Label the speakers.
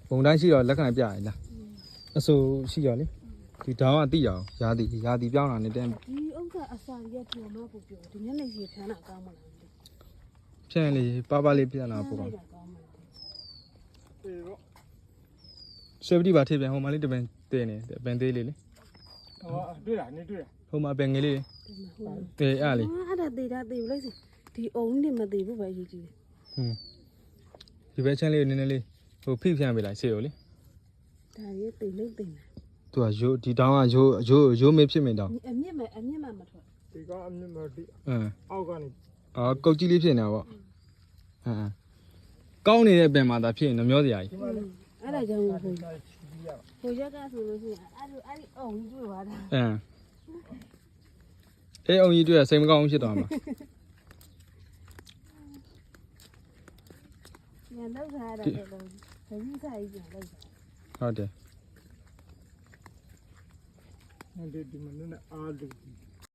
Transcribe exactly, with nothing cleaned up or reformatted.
Speaker 1: ဘုံတိုင်းရှိတော့လက်ခံပြရလားအဆိုရှိရလေဒီတောင်းကတိရအောင်ရာသီရာသီပြောင်းတာနဲ့တန်း
Speaker 2: ဒီဥစ္စာအစာရက်ပြောမဖို့ပြောဒီနေ့လည်းရေထမ်းတာကောင်းမလား
Speaker 1: ဖြန့်လေပါပါလေးပြန်လာပို့ပါဆွေပတိပါထေပြန်ဟိုမှာလေးတပင်တင်းနေပင်သေးလေးလေ
Speaker 3: ဟောတွေ့လားနေတွေ့လား
Speaker 1: ဟိုမှာပင်ငယ်လေးတေးအားလေး
Speaker 2: အဲ့ဒါသေးတာသေးဘူးလိုက်စီဒီအုံနဲ့မသေးဘူးပဲရေးကြည့်
Speaker 1: ဟွန်းဒီဘက်ချမ်းလေးနည်းနည်းလေးဟိုဖိဖြန့်ပေးလိုက်စေရောလေ
Speaker 2: ဒါရေးသေးလို့သေးတယ်
Speaker 1: သူကရိုးဒီတောင်းကရိုးရိုးရိုးမေးဖြစ်မင်းတောင်း
Speaker 2: အမြင့်မဲ့အမြင့်မဲ့မထွက်
Speaker 3: ဒီကအမြင့်မတိ
Speaker 1: အင်း
Speaker 3: အောက်ကနေ
Speaker 1: အော်ကုတ်ကြီးလေးဖြစ်နေတာပေါ့အင်းကောင်းနေတဲ့ပင်မှာဒါဖြစ်ရင်တော့မျောစရာကြီး
Speaker 2: အဲ့ဒါကြောင့်ဟိုဟိုရက်ကဆိုလို့ရှိရင်အဲ့လိုအဲ့ဒီအုံတွေ့သွားတာ
Speaker 1: အင်းအေးအောင်ကြီးတွေ့စိတ်မကောင်းဖြစ်သွားမှာ
Speaker 2: ညလောက်ထားတာလည်းလုံးခကြီးစားကြီးပြန်လိုက်တာ
Speaker 1: ဟုတ်တယ်
Speaker 3: ဒီဒီမနေ့နဲ့အားလို့